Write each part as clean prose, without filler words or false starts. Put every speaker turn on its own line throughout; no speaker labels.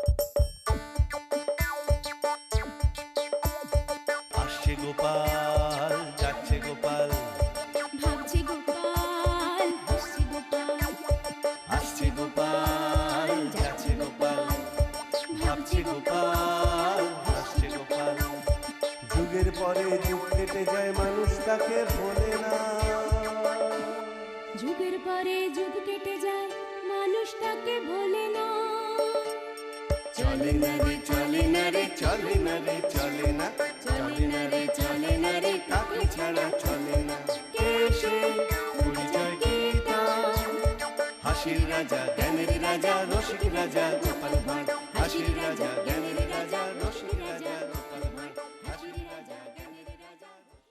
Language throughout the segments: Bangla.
আসছে গোপাল, যাচ্ছে গোপাল,
ভাবছে গোপাল, হাসছে গোপাল,
আসছে গোপাল, যাচ্ছে গোপাল, ভাবছে গোপাল, হাসছে গোপাল। যুগের পরে যুগ কেটে যায়, মানুষ তাকে ভোলে না।
যুগের পরে যুগ কেটে যায়, মানুষ তাকে ভোলে না।
চলে না রে, চলে না রে, চলে না রে, চলে না, চলে না রে, চলে না রে, কাকে ছাড়া চলে না। কে সে পরিচয় কি তার? হাসির রাজা, জ্ঞানের রাজা, রসিক রাজা গোপাল ভাঁড়। হাসির রাজা, জ্ঞানের রাজা, রসিক রাজা গোপাল ভাঁড়। হাসির রাজা, জ্ঞানের রাজা।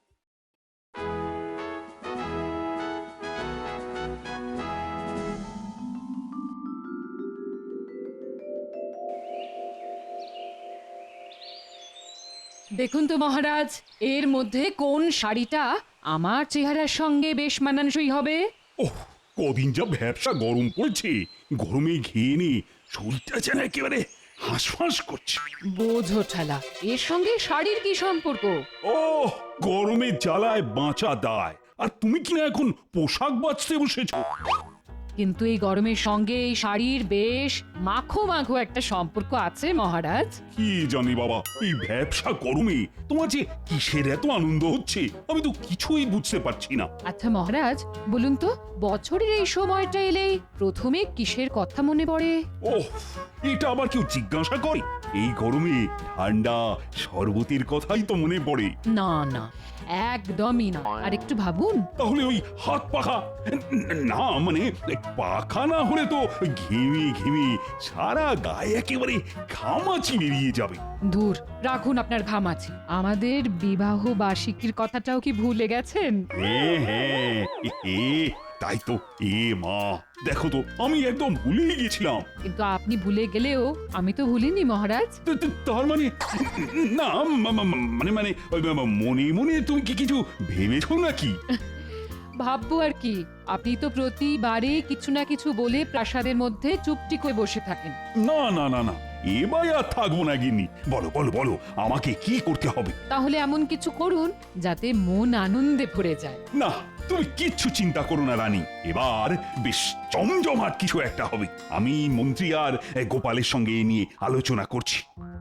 দেখুন তো মহারাজ, এর মধ্যে কোন শাড়িটা আমার চেহারার সঙ্গে বেশ মানানসই হবে?
ওহ, কদিন যা ব্যবসা গরম পড়ছে, গরমে ঘেয়ে নি শরীরটা যেন একেবারে হাঁসফাঁস করছে।
বোঝো ঠেলা, এর সঙ্গে শাড়ির কি সম্পর্ক?
ও, গরমের জ্বালায় বাঁচা দায়, আর তুমি কিনা এখন পোশাক বাঁচতে বসেছো।
কিন্তু এই গরমের সঙ্গে এই শাড়ির বেশ মাখো মাখো একটা সম্পর্ক আছে মহারাজ।
কি জানি বাবা, এই ব্যবসা গরমে তোমার যে কিসের এত আনন্দ হচ্ছে আমি তো কিছুই বুঝতে পারছি না।
আচ্ছা মহারাজ, বলুন তো, বছরের এই সময়টা এলেই প্রথমে কিসের কথা মনে পড়ে?
ওহ, এটা আবার কেউ জিজ্ঞাসা করে? এই গরমে ঠান্ডা শরবতের কথাই তো মনে পড়ে।
না না, একদমই না, আর একটু ভাবুন।
তাহলে ওই হাত পাখা, না মানে পাখা না হলে তো ঘেমে ঘেমে সারা গায়ে একেবারে ঘামাচি বেরিয়ে যাবে।
দূর রাখুন আপনার ঘামাচি, আমাদের বিবাহ বার্ষিকীর কথাটাও কি ভুলে গেছেন?
হ্যাঁ হ্যাঁ, তাই তো। এ মা, দেখো তো আমি একদম ভুলেই গেছিলাম।
কিন্তু আপনি ভুলে গেলেও আমি তো ভুলিনি মহারাজ।
তার মানে না, মানে মানে ওই মনে মনে তুমি কি কিছু ভেবেছো নাকি?
ভাববো আর কি, আপনি তো প্রতিবারে কিছু না কিছু বলে প্রাসাদের মধ্যে চুপটি করে বসে থাকেন।
না না না না, এবার আর থাকবো না গিন্নি। বলো বলো বলো, আমাকে কি করতে হবে?
তাহলে এমন কিছু করুন যাতে মন আনন্দে ভরে যায়।
না, তুমি কিচ্ছু চিন্তা করো না রানী, এবার বেশ জমজমাট কিছু একটা হবে। আমি মন্ত্রী আর গোপালের সঙ্গে এ নিয়ে আলোচনা করছি।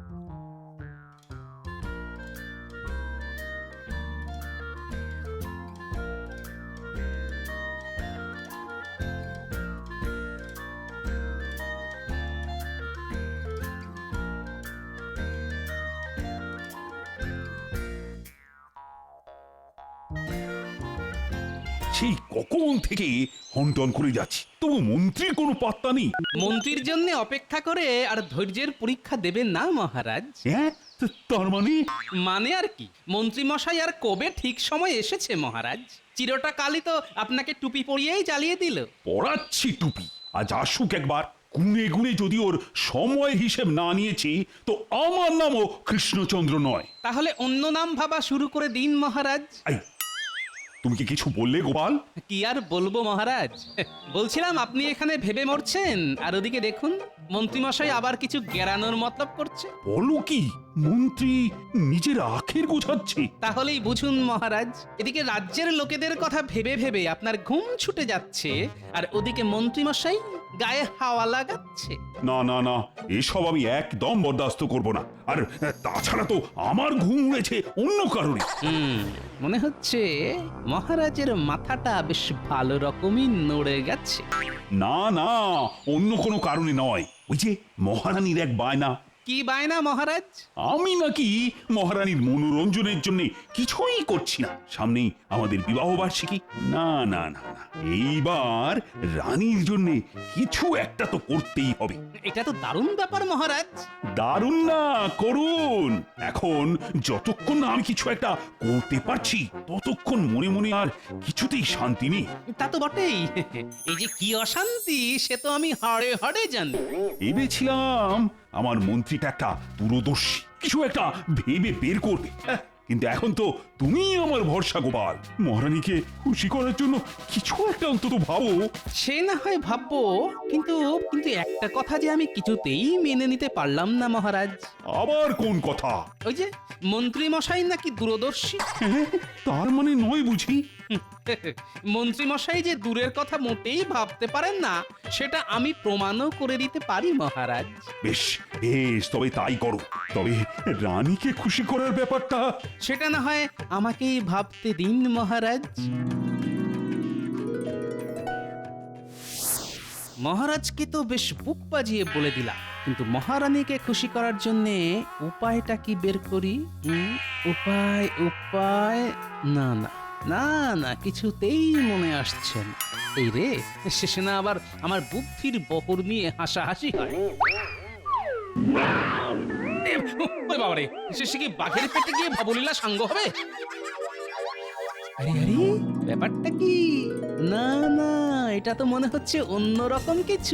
সেই কখন থেকে হন্টন করে যাচ্ছি, তবু মন্ত্রীর কোনো পাত্তা নেই।
মন্ত্রীর জন্য অপেক্ষা করে আর ধৈর্যের পরীক্ষা দেবেন না মহারাজ।
হ্যাঁ, তার মানে?
মানে আর কি, মন্ত্রী মশাই আর কবে ঠিক সময় এসেছে মহারাজ। চিরটা কালই তো আপনাকে টুপি পরিয়েই জ্বালিয়ে দিল।
পড়াচ্ছি টুপি, আজ আসুক একবার। গুনে গুনে যদি ওর সময় হিসেব না নিয়েছি তো আমার নামও কৃষ্ণচন্দ্র নয়।
তাহলে অন্য নাম ভাবা শুরু করে দিন মহারাজ।
এই, তুমি কি কিছু বললে গোপাল?
কি আর বলবো মহারাজ, বলছিলাম আপনি এখানে ভেবে মরছেন আর ওদিকে দেখুন মন্ত্রীমশাই আবার কিছু গেরানোর মতলব করছে।
বলো কি, মন্ত্রী নিজের আখের গোছাচ্ছে?
তাহলেই বুঝুন মহারাজ, এদিকে রাজ্যের লোকেদের কথা ভেবে ভেবে আপনার ঘুম ছুটে যাচ্ছে আর ওদিকে মন্ত্রীমশাই গায়ে হাওয়া লাগাচ্ছে।
না না না, এসব আমি একদম বরদাস্ত করব না। আর তাছাড়া তো আমার ঘুম উড়েছে অন্য কারণে।
মনে হচ্ছে মহারাজের মাথাটা বেশ ভালো রকমই নড়ে গেছে।
না না, অন্য কোনো কারণে নয়। ওই যে মহারানীর এক বায়না।
কি বায়না মহারাজ?
আমি নাকি মহারানীর মনোরঞ্জনের জন্য কিছুই করছি না। সামনেই আমাদের বিবাহ বার্ষিকী। না না না না, এইবার রানীর জন্য কিছু একটা তো করতেই হবে।
এটা তো দারুণ ব্যাপার মহারাজ।
দারুণ না, করুন। এখন যতক্ষণ না আমি কিছু একটা করতে পারছি ততক্ষণ মনে মনে আর কিছুতেই শান্তি নেই।
তা তো বটেই, এই যে কি অশান্তি সে তো আমি হাড়ে হাড়ে জানি।
ভেবেছিলাম আমার মন্ত্রীটা একটা দূরদর্শী, কিছু একটা ভেবে বের করবে। কিন্তু এখন তো তুমি আমার ভরসা গোপাল। মহারানীকে খুশি করার জন্য কিছু একটা অন্তত ভাবো।
সে না হয় ভাববো, কিন্তু কিন্তু একটা কথা যে আমি কিছুতেই মেনে নিতে পারলাম না মহারাজ।
আবার কোন কথা?
ওই যে মন্ত্রী মশাই নাকি দূরদর্শী।
হ্যাঁ, তার মানে নয় বুঝি?
মন্ত্রী মশাই যে দূরের কথা মোটেই ভাবতে পারেন না, সেটা আমি প্রমাণও করে দিতে পারি মহারাজ।
বেশ বেশ, তবে তাই করো। তবে রানীকে খুশি করার ব্যাপারটা
সেটা না হয় আমাকেই ভাবতে দিন মহারাজ। মহারাজকে তো বেশ বুক বাজিয়ে বলে দিলাম, কিন্তু মহারানীকে খুশি করার জন্য উপায়টা কি বের করি? উপায় উপায় না না না না, কিছুতেই মনে আসছে না। এই রে, শেষে না আবার আমার বুদ্ধির বহর নিয়ে হাসাহাসি হয়। ওই বাবারে, শেষে কি বাঘের পেটে গিয়ে ভবলীলা সাঙ্গ হবে? আরে আরে, ব্যাপারটা কি? না না, এটা তো মনে হচ্ছে অন্যরকম কিছু।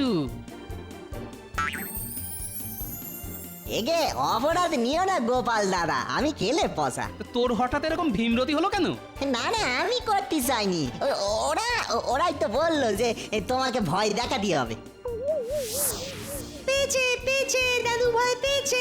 এগে অপরাধ নিও না গোপাল দাদা, আমি খেলে পসা।
তো তোর হঠাৎ এরকম ভীমরতি হলো কেন?
না না, আমি করতে চাইনি। ওরাই তো বললো যে তোমাকে ভয় দেখাতে হবে। পেয়েছে পেয়েছে দাদু, ভয় পেয়েছে।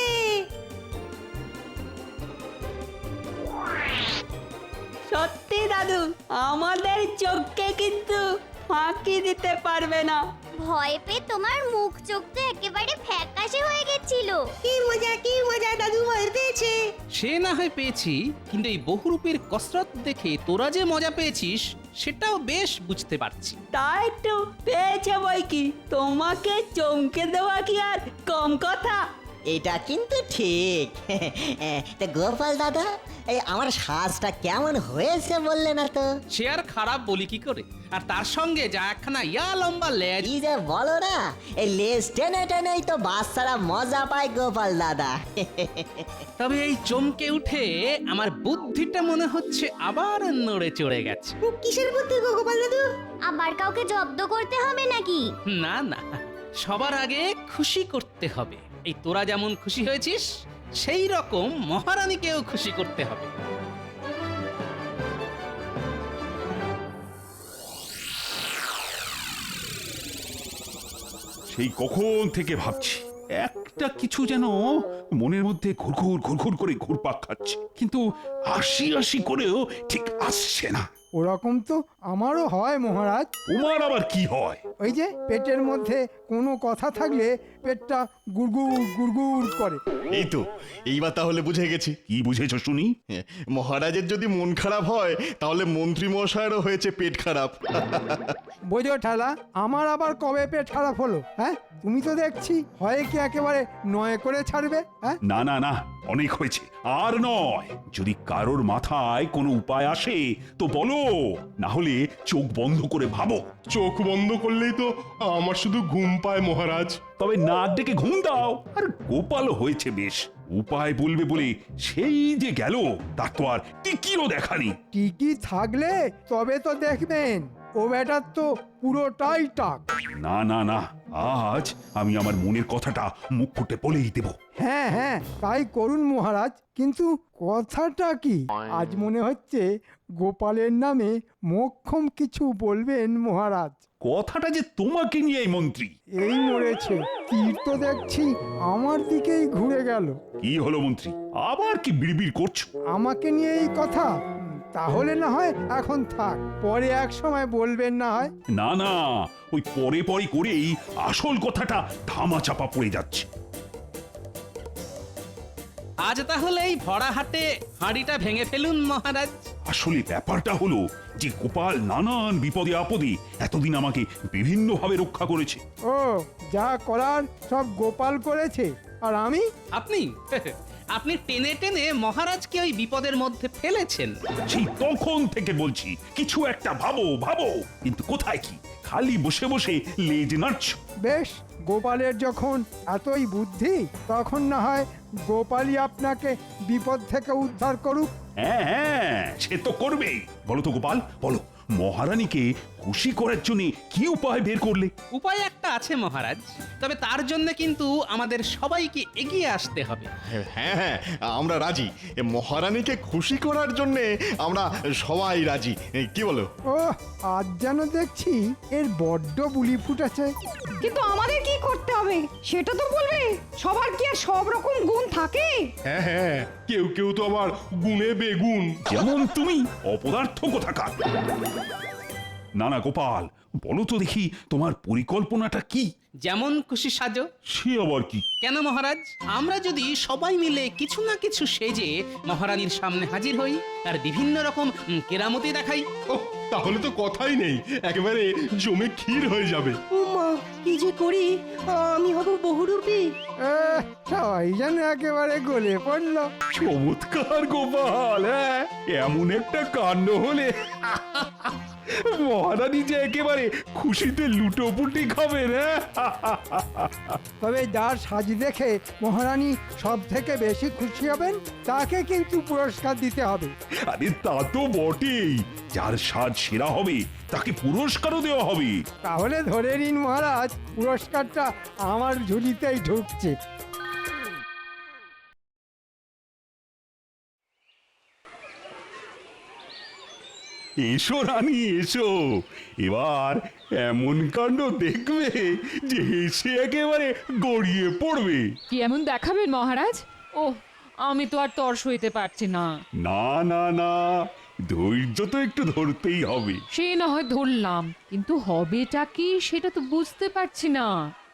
সত্যি দাদু, আমাদের চোখকে কিন্তু ফাঁকি দিতে পারবে না।
ভয় পেয়ে তোমার মুখ চোখ তো একেবারে ফ্যাকাশে হয়ে গেছিল।
কি মজা দাদু, ভয় পেয়েছে।
সে না হয় পেয়েছি, কিন্তু এই বহুরূপের কসরত দেখে তোরা যে মজা পেয়েছিস সেটাও বেশ বুঝতে পারছি।
তা একটু পেয়েছে বই কি, তোমাকে চমকে দেওয়া কি আর কম কথা?
এটা কিন্তু ঠিক। তা গোপাল দাদা, এই আমার সাজটা কেমন হয়েছে বললে না তো?
সে আর খারাপ বলি কি করে? আর তার সঙ্গে যা একখানা ইয়া লম্বা লেজ।
কি যে বলো না, এই লেজ টেনে টেনেই তো বাচ্চারা মজা পায় গোপাল দাদা।
তবে এই চমকে উঠে আমার বুদ্ধিটা মনে হচ্ছে আবার নড়ে চড়ে গেছে।
কিসের বুদ্ধি গো গোপাল দাদু?
আবার কাউকে জব্দ করতে হবে নাকি?
না না, সবার আগে খুশি করতে হবে। এই তোরা যেমন খুশি হয়েছিস, সেই রকম মহারানীকেও খুশি করতে হবে।
সেই কখন থেকে ভাবছি একটা কিছু যেন মনের মধ্যে ঘুরঘুর ঘুরঘুর করে ঘুরপাক খাচ্ছে, কিন্তু আশি আশি করেও ঠিক আসছে না।
ওরকম তো আমারও হয় মহারাজ।
তোমার আবার কি হয়?
ওই যে পেটের মধ্যে কোনো কথা থাকলে পেটটা গুড়গুড় গুড়গুড় করে।
এই তো, এইবার তাহলে বুঝে গেছি।
কি বুঝেছো শুনি?
মহারাজের যদি মন খারাপ হয়, তাহলে মন্ত্রী মশাইয়েরও হয়েছে পেট খারাপ।
বোঝো ঠেলা, আমার আবার কবে পেট খারাপ হলো? হ্যাঁ, তুমি তো দেখছি হয় কি একেবারে নয় করে ছাড়বে। হ্যাঁ,
না না না, অনেক হয়েছে, আর নয়। যদি কারোর মাথায় কোনো উপায় আসে তো বলো, না হলে চোখ বন্ধ করে ভাবো।
চোখ বন্ধ করলেই তো আমার শুধু ঘুম পায় মহারাজ।
তবে নাক ডেকে ঘুম দাও। আর গোপালও হয়েছে বেশ, উপায় বলবে বলে সেই যে গেল, তার তো আর টিকিও দেখানি।
টিকি থাকলে তবে তো দেখবেন, ও বেটার তো পুরোটাই টাক।
না না না, আজ আমি আমার মনের কথাটা মুখ ফুটে বলেই দেব।
হ্যাঁ হ্যাঁ, তাই করুন মহারাজ। কিন্তু কথাটা কি? আজ মনে হচ্ছে গোপালের নামে মোক্ষম কিছু বলবেন মহারাজ।
কথাটা যে তোমাকে নিয়ে মন্ত্রী।
এই মরেছে, তীর তো দেখছি আমার দিকেই ঘুরে গেল।
কি হলো মন্ত্রী, আবার কি বিড়বিড় করছো?
আমাকে নিয়ে এই কথা? তাহলে না হয় এখন থাক, পরে এক সময় বলবেন না হয়।
না না, ওই পরে পরে করেই আসল কথাটা ধামা চাপা পড়ে যাচ্ছে।
আজ তাহলে এই ভরা হাটে হাঁড়িটা ভেঙে ফেলুন মহারাজ।
আসলে ব্যাপারটা হলো যে গোপাল নানান বিপদে আপদে এতদিন আমাকে বিভিন্নভাবে রক্ষা করেছে।
ও, যা করার সব গোপাল করেছে, আর আমি?
আপনি আপনি টেনে টেনে মহারাজকে ওই বিপদের মধ্যে ফেলেছেন।
সেই তখন থেকে বলছি কিছু একটা ভাবো ভাবো, কিন্তু কোথায় কি, খালি বসে বসে লেজ নাড়ছ।
বেশ, গোপালের যখন এতই বুদ্ধি, তখন না হয় গোপালই আপনাকে বিপদ থেকে উদ্ধার করুক।
হ্যাঁ হ্যাঁ, সে তো করবেই। বলো তো গোপাল, বলো, মহারানীকে খুশি করার জন্য কি উপায় বের করলে?
উপায় একটা আছে মহারাজ, তবে তার জন্য কিন্তু আমাদের সবাইকে এগিয়ে আসতে হবে।
হ্যাঁ হ্যাঁ, আমরা রাজি। মহারানীকে খুশি করার জন্যে আমরা সবাই রাজি, কি বলো?
ও আজ যেন দেখছি এর বড্ড বুলি ফুটেছে।
কিন্তু আমাদের কি করতে হবে সেটা তো বলবে। সবার কি আর সব রকম গুণ থাকে?
হ্যাঁ হ্যাঁ, কেউ কেউ তো আবার গুণে বেগুন।
যেমন তুমি, অপদার্থ কোথাকার। না না গোপাল, বলো তো দেখি তোমার পরিকল্পনাটা কি?
যেমন খুশি সাজো।
সে আবার কি?
কেন মহারাজ, আমরা যদি সবাই মিলে কিছু না কিছু সেজে মহারানীর সামনে হাজির হই আর বিভিন্ন রকম কেরামতি দেখাই।
ওহ, তাহলে তো কথাই নেই, একেবারে জমে ক্ষীর হয়ে যাবে।
উমা কি যে করি, আমি হব বহুরূপী।
সবাই যেন একেবারে গলে পড়লো।
চমৎকার গোপাল, হ্যাঁ এমন একটা কাণ্ড হলে মহারানী যে একেবারে খুশিতে লুটোপুটি খাবেন।
তবে যার সাজ দেখে মহারানী সব থেকে বেশি খুশি হবেন তাকে কিন্তু পুরস্কার দিতে হবে।
আরে তা তো বটেই, যার সাজ সেরা হবে তাকে পুরস্কারও দেওয়া হবে।
তাহলে ধরে নিন মহারাজ, পুরস্কারটা আমার ঝুলিতেই ঢুকছে।
এসো রানী এসো, এবার এমন কাণ্ড দেখবে যে হেসে একেবারে গড়িয়ে পড়বে।
কি এমন দেখাবেন মহারাজ? ও আমি তো আর তর সইতে পারছি না।
না না না, ধৈর্য তো একটু ধরতেই হবে।
সে না হয় ধরলাম, কিন্তু হবেটা কি সেটা তো বুঝতে পারছি না।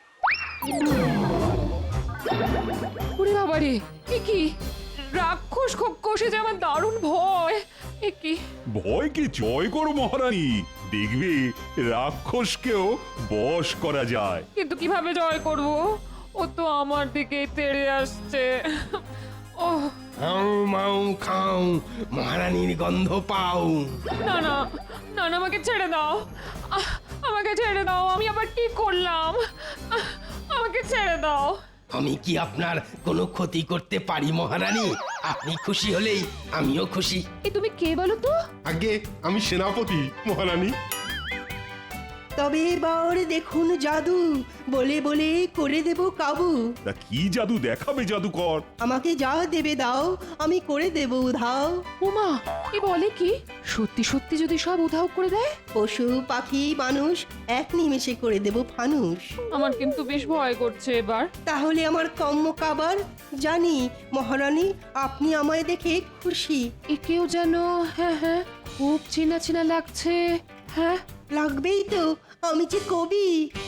ওরে বাবারে, এ কি রাক্ষস কষে যে আমার দারুণ ভয়। এ কি
ভয়কে জয় করো মহারানী, দেখবে রাক্ষসকেও বশ করা যায়।
কিন্তু কিভাবে জয় করব? ও তো আমার দিকে তেড়ে আসছে। ও
হাউ মাউ খাও, মহারানীর গন্ধ পাও।
না না না না, আমাকে ছেড়ে দাও, আমাকে ছেড়ে দাও। আমি আবার কি করলাম? আমাকে ছেড়ে দাও।
আমি কি আপনার কোনো ক্ষতি করতে পারি মহারানী? আপনি খুশি হলেই আমিও খুশি।
এ তুমি কে বলো তো?
আগে আমি সেনাপতি মহারানী।
তবে এবার দেখুন জাদু, বলে বলে করে দেব কাবু।
তা কি জাদু দেখাবে জাদুকর?
আমাকে যা দেবে দাও, আমি করে দেব উধাও।
উমা, এ বলে কি? সত্যি সত্যি যদি সব উধাও করে দেয়?
পশু পাখি মানুষ এক নিমেষে করে দেব ফানুষ।
আমার কিন্তু বেশ ভয় করছে এবার।
তাহলে আমার কম্ম কাবার, জানি মহারানী আপনি আমায় দেখে খুশি।
একেও যেন হ্যাঁ হ্যাঁ খুব চেনা চেনা লাগছে। হ্যাঁ
লাগবেই তো, আমি যে কবি।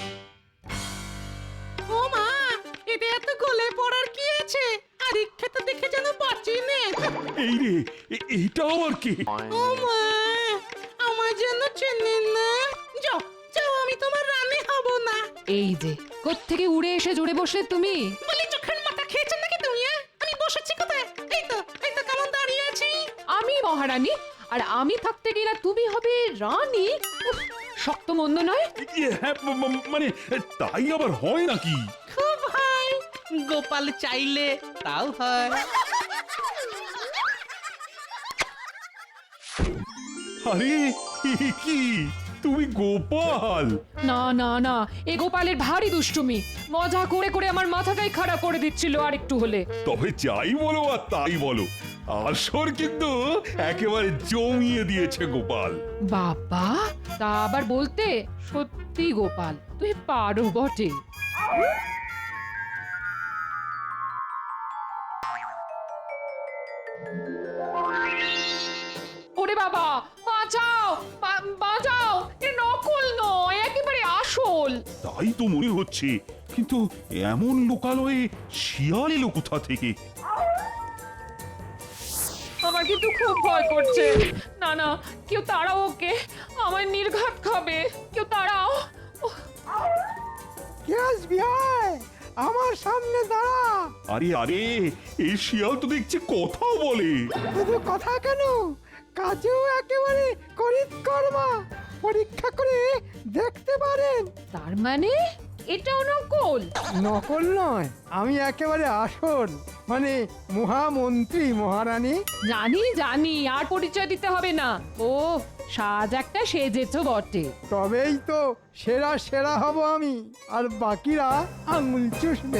ও মা, এটা এত গলে পড়ার কি আছে? আর ইচ্ছেটা দেখে যেন বাঁচি নে।
এই রে, এইটা আবার কি?
ও মা, আমার যেন চেনেন না। যাও যাও, আমি তোমার রানী হব না।
এই যে কোত্থেকে উড়ে এসে জুড়ে বসলে তুমি?
বলি চোখের মাথা খেয়েছেন নাকি তুমি? আমি বসেছি কোথায়? এই তো কেমন দাঁড়িয়ে আছি।
আমি মহারানী, আর আমি থাকতে গেলে তুমি হবে রানী? উফ, শক্ত মন্দ নয়।
হ্যাঁ মানে তাই আবার হয় নাকি?
খুব হয়, গোপাল চাইলে তাও হয়।
আরে এ কি, তুমি গোপাল?
না না না, এ গোপালের ভারী দুষ্টুমি। মজা করে করে আমার মাথাটাই খারাপ করে দিচ্ছিল আর একটু হলে।
তবে যাই বলো আর তাই বলো, আসর কিন্তু একেবারে জমিয়ে দিয়েছে গোপাল।
বাবা, তা আবার বলতে? সত্যি গোপাল, তুই পারো বটে। ওরে বাবা, বাঁচাও বাঁচাও, এ নকল নয়, একেবারে আসল।
তাই তো মনে হচ্ছে, কিন্তু এমন লোকালয়ে শিয়াল এলো কোথা থেকে?
আমার কিন্তু খুব ভয় করছে। না না, কেউ তাড়াও ওকে, আমায় নির্ঘাত খাবে। কেউ তাড়াও।
কে আসবি আয়, আমার সামনে দাঁড়া।
আরে আরে, এই শিয়াল তো দেখছি কথাও বলে।
শুধু কথা কেন, কাজেও একেবারে করিতকর্মা। পরীক্ষা করে দেখতে পারেন।
তার মানে এটাও নকল?
নকল নয়, আমি একেবারে আসল, মানে মহামন্ত্রী মহারানী।
জানি জানি, আর পরিচয় দিতে হবে না। ও সাজ একটা সেজেছো বটে।
তবেই তো সেরা সেরা হব আমি, আর বাকিরা আঙুল চুষবে।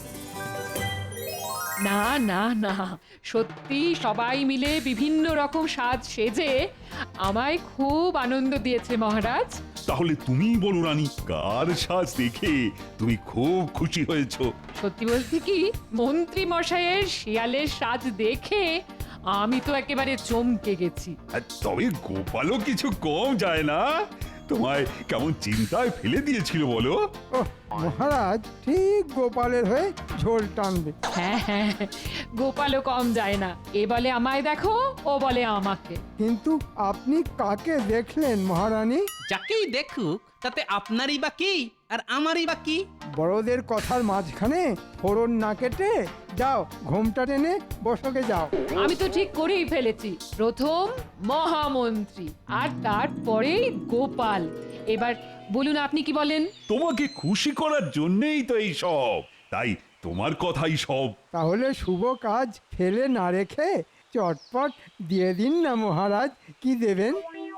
না না না, সত্যি সবাই মিলে বিভিন্ন রকম সাজ সেজে আমায় খুব আনন্দ দিয়েছে মহারাজ।
তাহলে তুমিই বলো রানী, কার সাজ দেখে তুমি খুব খুশি হয়েছো?
সত্যি বলতে কি, মন্ত্রী মশাইয়ের শিয়ালের সাজ দেখে আমি তো একেবারে চমকে গেছি।
আর তবে গোপালও কিছু কম যায় না, তোমায় কেমন চিন্তায় ফেলে দিয়েছিল বলো।
ওহ, মহারাজ ঠিক গোপালের হয়ে ঝোল টানবে।
হ্যাঁ হ্যাঁ, গোপালও কম যায় না, এ বলে আমায় দেখো, ও বলে আমাকে।
কিন্তু আপনি কাকে দেখলেন মহারানী?
যাকেই দেখুক তাতে আপনারই বা কি আর আমারই বা কি?
বড়দের কথার মাঝখানে ফোড়ন না কেটে যাও, ঘোমটা টেনে বসকে যাও।
আমি তো ঠিক করেই ফেলেছি, প্রথম মহামন্ত্রী আর তারপরেই গোপাল। এবার বলুন আপনি কি বলেন?
তোমাকে খুশি করার জন্যই তো এই সব, তাই তোমার কথাই সব।
তাহলে শুভ কাজ ফেলে না রেখে চটপট দিয়ে দিন না মহারাজ, কি দেবেন?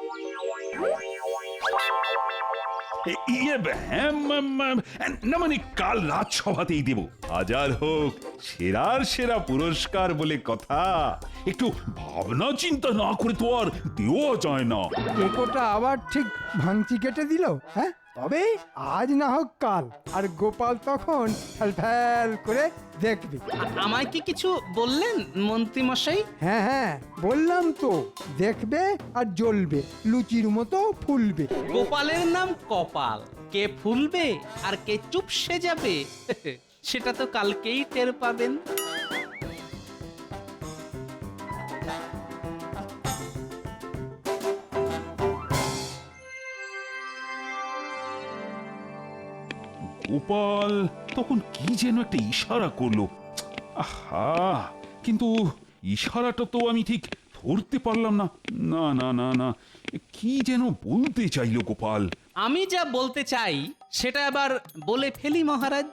হ্যাঁ, না মানে কাল রাজসভাতেই দেব। হাজার হোক সেরার সেরা পুরস্কার বলে কথা, একটু ভাবনা চিন্তা না করে তো আর দেওয়া যায় না।
একোটা আবার ঠিক ভাঙচি কেটে দিল। হ্যাঁ, তবে আজ না হোক কাল, আর গোপাল তখন ফ্যাল করে দেখবে।
আমায় কি কিছু বললেন মন্ত্রী মশাই?
হ্যাঁ হ্যাঁ, বললাম তো, দেখবে আর জ্বলবে, লুচির মতো ফুলবে।
গোপালের নাম কপাল, কে ফুলবে আর কে চুপসে যাবে সেটা তো কালকেই টের পাবেন।
গোপাল তখন কি যেন একটা ইশারা করলো, আহা, কিন্তু ইশারাটা তো আমি ঠিক ধরতে পারলাম না। না না না না, কি যেন বলতে চাইলো গোপাল।
আমি যা বলতে চাই সেটা আবার বলে ফেলি মহারাজ।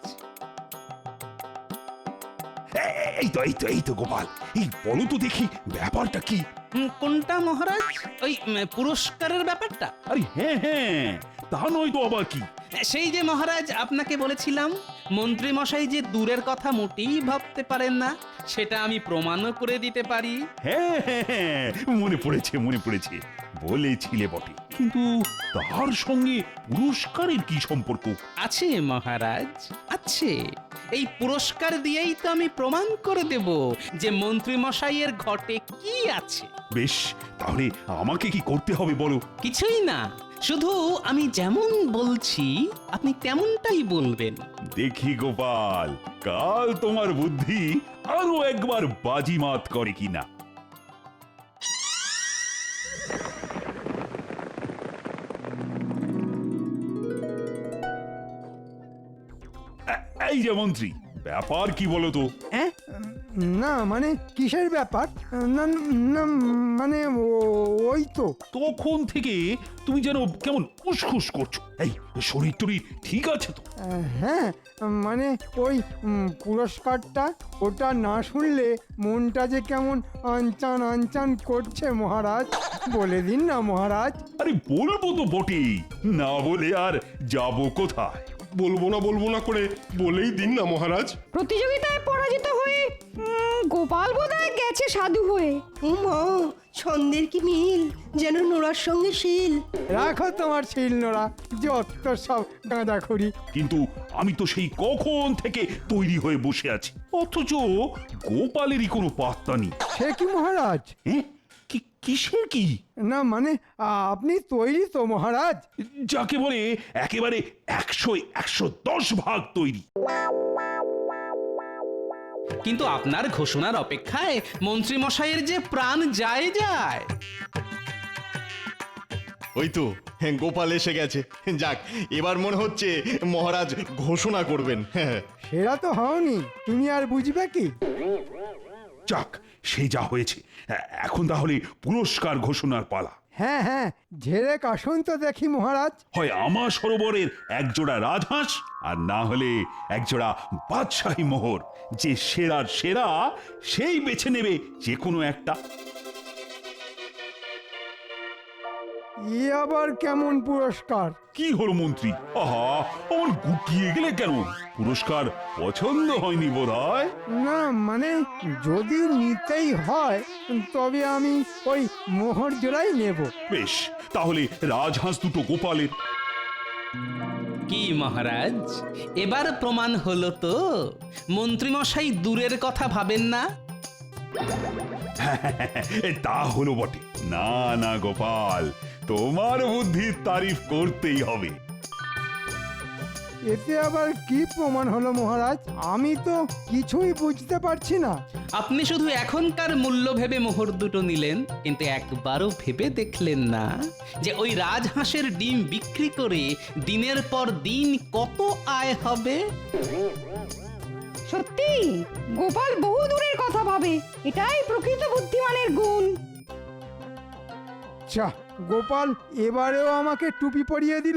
এই তো গোপাল, এই বলো তো দেখি ব্যাপারটা কি?
কোনটা মহারাজ? ওই পুরস্কারের ব্যাপারটা?
আরে হ্যাঁ হ্যাঁ, তা নয় তো আবার কি?
সেই যে মহারাজ আপনাকে বলেছিলাম মন্ত্রী মশাই যে দূরের কথা মোটেই ভাবতে পারেন না, সেটা আমি প্রমাণও করে দিতে পারি।
হ্যাঁ হ্যাঁ হ্যাঁ, মনে পড়েছে, বলেছিলে বটে, কিন্তু তার সঙ্গে পুরস্কারের কি সম্পর্ক?
আছে মহারাজ, আছে। এই পুরস্কার দিয়েই তো আমি প্রমাণ করে দেব যে মন্ত্রী মশাইয়ের ঘটে কি আছে।
বেশ, তাহলে আমাকে কি করতে হবে বলো?
কিছুই না, শুধু আমি যেমন বলছি আপনি তেমনটাই বলবেন।
দেখি গোপাল, কাল তোমার বুদ্ধি আরো একবার বাজিমাত করে কিনা। এই যে মন্ত্রী, ব্যাপার কি বলো তো?
না মানে কিসের ব্যাপার? না না মানে ওই তো।
তখন থেকে তুমি যেন কেমন উসখুস করছো, এই শরীর টরীর ঠিক আছে তো?
হ্যাঁ, মানে ওই পুরস্কারটা, ওটা না শুনলে মনটা যে কেমন আনচান আনচান করছে মহারাজ, বলে দিন না মহারাজ।
আরে বলবো তো বটেই, না বলে আর যাবো কোথায়?
বলবো না করে বলেই দিন না মহারাজ।
প্রতিযোগিতায় পরাজিত হয়ে গোপাল বোধহয় গেছে সাধু হয়ে।
মা, ছন্দের কি মিল, যেন নোড়ার সঙ্গে শিল।
রাখো তোমার শিল নোড়া, যত সব গাঁদাখড়ি।
কিন্তু আমি তো সেই কখন থেকে তৈরি হয়ে বসে আছি, অথচ গোপালেরই কোনো পাত্তা নেই।
সে কি মহারাজ?
কিসের কি?
না মানে আপনি তৈরি তো মহারাজ?
যাকে বলে একেবারে 100-110 ভাগ তৈরি।
কিন্তু আপনার ঘোষণার অপেক্ষায় মন্ত্রী মশাইয়ের যে প্রাণ যায়।
ওই তো গোপাল এসে গেছে। যাক, এবার মনে হচ্ছে মহারাজ ঘোষণা করবেন। হ্যাঁ,
সেটা তো হওনি, তুমি আর বুঝবে কি?
যাক, সে যা হয়েছে, এখন তাহলে পুরস্কার ঘোষণার পালা।
হ্যাঁ হ্যাঁ, ঝেড়ে কাশুন তো দেখি মহারাজ।
হয় আমার সরোবরের একজোড়া রাজহাঁস, আর না হলে একজোড়া বাদশাহী মোহর। যে সেরার সেরা সেই বেছে নেবে যে কোনো একটা।
এ আবার কেমন পুরস্কার?
কি হলো মন্ত্রী? আহা, আমার গুটিয়ে গেলে কেন? পুরস্কার পছন্দ হয়নি বোধহয়।
না মানে যদি নিতেই হয় তবে আমি ওই মোহর জোড়াই নেব।
বেশ, তাহলে রাজহাঁস দুটো গোপালের।
কি মহারাজ, এবার প্রমাণ হলো তো মন্ত্রীমশাই দূরের কথা ভাবেন না।
তা হলো বটে। না না গোপাল, তোমার বুদ্ধির তারিফ করতেই হবে।
এতে আবার কি প্রমাণ হলো মহারাজ? আমি তো কিছুই বুঝতে পারছি না।
আপনি শুধু এখনকার মূল্য ভেবে মোহর দুটো নিলেন, কিন্তু একবারও ভেবে দেখলেন না যে ওই রাজহাঁসের ডিম বিক্রি করে দিনের পর দিন কত আয় হবে।
সত্যি গোপাল বহু দূরের কথা ভাবে, এটাই প্রকৃত বুদ্ধিমানের গুণ।
যা, গোপাল এবারেও আমাকে টুপি পরিয়ে দিল।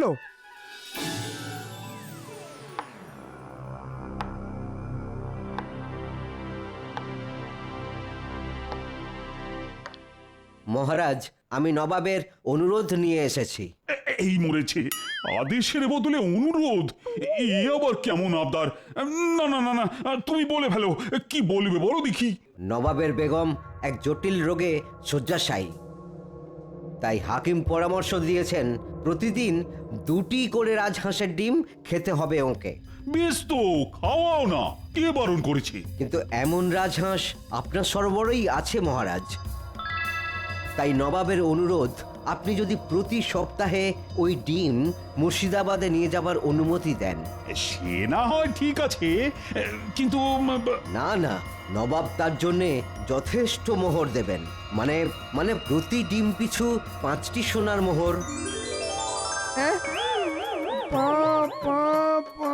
মহারাজ, আমি নবাবের অনুরোধ নিয়ে এসেছি।
এই মরেছে, আদেশের বদলে অনুরোধ? এ আবার কেমন আবদার? না না না না, তুমি বলে ফেলো, কি বলবে বলো দেখি।
নবাবের বেগম এক জটিল রোগে শয্যাশায়ী, তাই হাকিম পরামর্শ দিয়েছেন প্রতিদিন 2টি করে রাজহাঁসের ডিম খেতে হবে ওকে।
বেশ তো, খাওয়াও না, কে বারণ করেছে?
কিন্তু এমন রাজহাঁস আপনার সরবরাহই আছে মহারাজ। তাই নবাবের অনুরোধ, আপনি যদি প্রতি সপ্তাহে ওই ডিম মুর্শিদাবাদে নিয়ে যাবার অনুমতি দেন।
সে না হয় ঠিক আছে, কিন্তু
না না, নবাব তার জন্যে যথেষ্ট মোহর দেবেন। মানে মানে প্রতি ডিম পিছু 5টি সোনার মোহর।
হ্যাঁ? পা, পা, পা,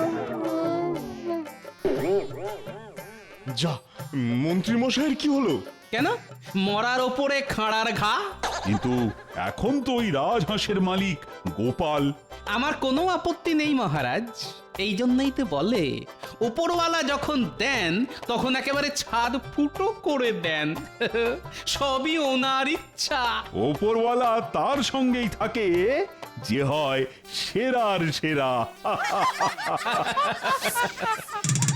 যা, মন্ত্রী মশাইয়ের কি হলো?
কেন, মরার ওপরে খাঁড়ার ঘা?
কিন্তু এখন তো ওই রাজহাঁসের মালিক গোপাল।
আমার কোনো আপত্তি নেই মহারাজ, এই জন্যই তো বলে উপরওয়ালা যখন দেন তখন একেবারে ছাদ ফুটো করে দেন। সবই ওনার ইচ্ছা।
ওপরওয়ালা তার সঙ্গেই থাকে যে হয় সেরার সেরা।